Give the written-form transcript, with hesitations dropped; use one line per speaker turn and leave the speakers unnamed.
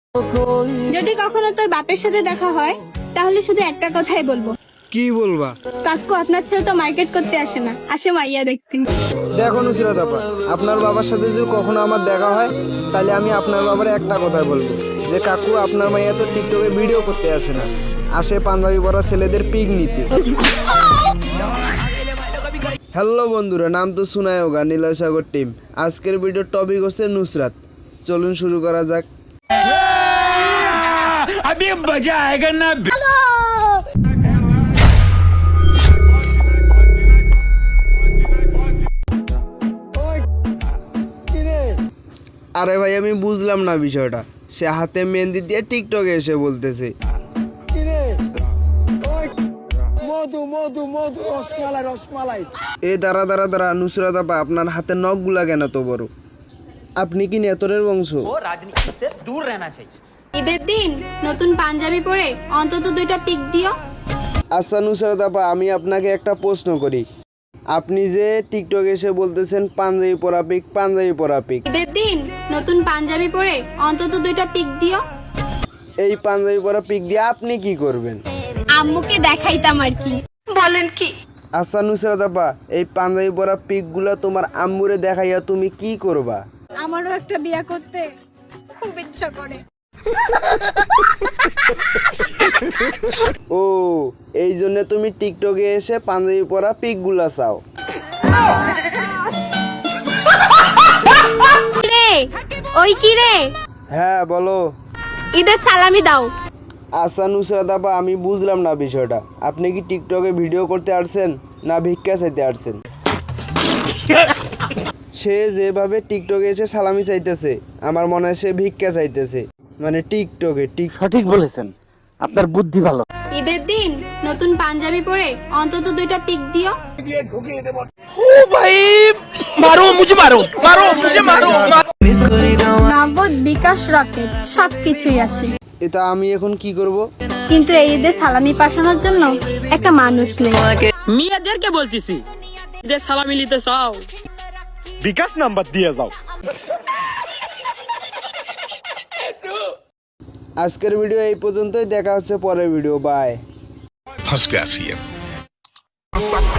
যদি কখনো তোর বাপের সাথে দেখা হয় তাহলে শুধু একটা কথাই বলবো।
কি বলবা?
কাকু আপনার ছেলে তো মার্কেট করতে আসে না, আসে মাইয়া দেখতে।
দেখো নুসরাত আপা, আপনার বাবার সাথে যদি কখনো আমার দেখা হয় তাহলে আমি আপনার বাবার একটা কথাই বলবো যে কাকু আপনার মাইয়া তো টিকটকে ভিডিও করতে আসে না, আসে পাঞ্জাবি পরা ছেলেদের পিক নিতে। হ্যালো বন্ধুরা, নাম তো শোনায় হোগা নীলয় সাগর টিম। আজকের ভিডিওর টপিক হচ্ছে নুসরাত। চলুন শুরু করা যাক।
अभी मजा आएगा ना।
আরে ভাই আমি বুঝলাম না বিষয়টা, সে হাতে মেহেন্দি দিয়ে টিকটকে এসে বলতেছে এ দাঁড়া দাঁড়া দাঁড়া, নুসরাত আপা আপনার হাতে নখগুলা কেন তো বড়? আপনি কি নেতরের বংশ?
राजनीति से दूर रहना चाहिए।
ঈদের দিন নতুন পাঞ্জাবি পরে অন্তত 2টা পিক দিও।
আচ্ছা নুসরাত আপা, আমি আপনাকে একটা প্রশ্ন করি। আপনি যে টিকটকে এসে বলতেছেন পাঞ্জাবি পরা পিক, পাঞ্জাবি পরা পিক,
ঈদের দিন নতুন পাঞ্জাবি পরে অন্তত 2টা পিক দিও।
এই পাঞ্জাবি পরা পিক দিয়ে আপনি কি করবেন?
আম্মুকে দেখাইতাম আর কি। বলেন কি?
আচ্ছা নুসরাত আপা, এই পাঞ্জাবি পরা পিকগুলা তোমার আম্মুরে দেখাইয়া তুমি কি করবা?
আমারও একটা বিয়া করতে খুব ইচ্ছা করে।
ও, এই জন্য তুমি টিকটকে এসে পাঞ্জাবি পরা পিকগুলা চাও?
রে ওই কি রে,
হ্যাঁ বলো।
ঈদের সালামি দাও।
আচ্ছা নুসরাত আপা, আমি বুঝলাম না বিষয়টা। আপনি কি টিকটকে ভিডিও করতে আসছেন না ভিক্ষা চাইতে আসছেন? সে যেভাবে টিকটকে এসে সালামি চাইতেছে, আমার মনে হয় সে ভিক্ষা চাইতেছে, মানে টিকটকে।
সঠিক বলেছেন, আপনার বুদ্ধি ভালো।
ঈদের দিন নতুন পাঞ্জাবি পরে অন্তত 2টা পিক দিও।
मारो मुझे, मारो मारो मुझे, मारो।
নগদ, বিকাশ, রকেট সবকিছুই আছে,
এটা আমি এখন কি করব?
কিন্তু এই ঈদে সালামি পাঠানোর জন্য একটা মানুষ নেই।
মেয়েদেরকে বলতেছি যে সালামি নিতে চাও,
বিকাশ নাম্বার দিয়ে যাও।
আজকের ভিডিও এই পর্যন্তই, দেখা হচ্ছে পরের ভিডিও। বাই।
फंस गया सीएम।